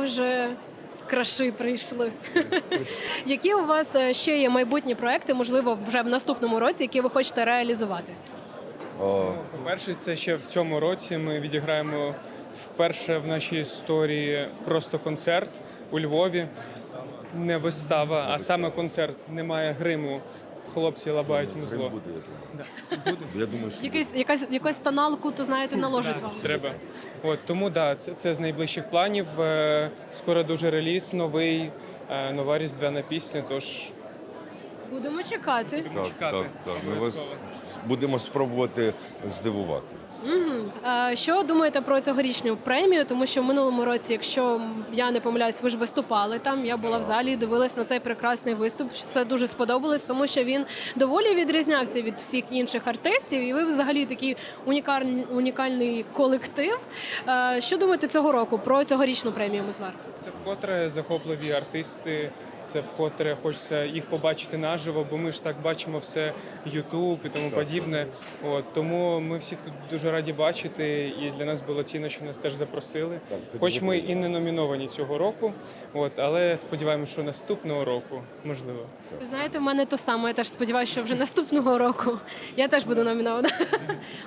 вже краши прийшли. Які у вас ще є майбутні проекти, можливо, вже в наступному році, які ви хочете реалізувати? По-перше, це ще в цьому році ми відіграємо вперше в нашій історії просто концерт у Львові. Не вистава, а саме концерт. Немає гриму. Хлопці лабають музло. Буде, я думаю. Да. Буде? Я думаю, що Якусь тоналку, то знаєте, наложить вам. Треба. Тому це з найближчих планів. Скоро дуже реліз, нова різдвяна пісня, тож Будемо чекати. так. Ми вас будемо спробувати здивувати. Що думаєте про цьогорічну премію? Тому що в минулому році, якщо я не помиляюсь, ви ж виступали там. Я була в залі і дивилась на цей прекрасний виступ. Це дуже сподобалось, тому що він доволі відрізнявся від всіх інших артистів. І ви взагалі такий унікальний колектив. Що думаєте цього року про цьогорічну премію Мизвар? це вкотре захопливі артисти. Це вкотре хочеться їх побачити наживо, бо ми ж так бачимо все Ютуб і тому подібне. Тому ми всіх тут дуже раді бачити, і для нас було цінно, що нас теж запросили. Хоч ми і не номіновані цього року, але сподіваємося, що наступного року можливо. Ви знаєте, в мене то саме. Я теж сподіваюся, що вже наступного року я теж буду номінована.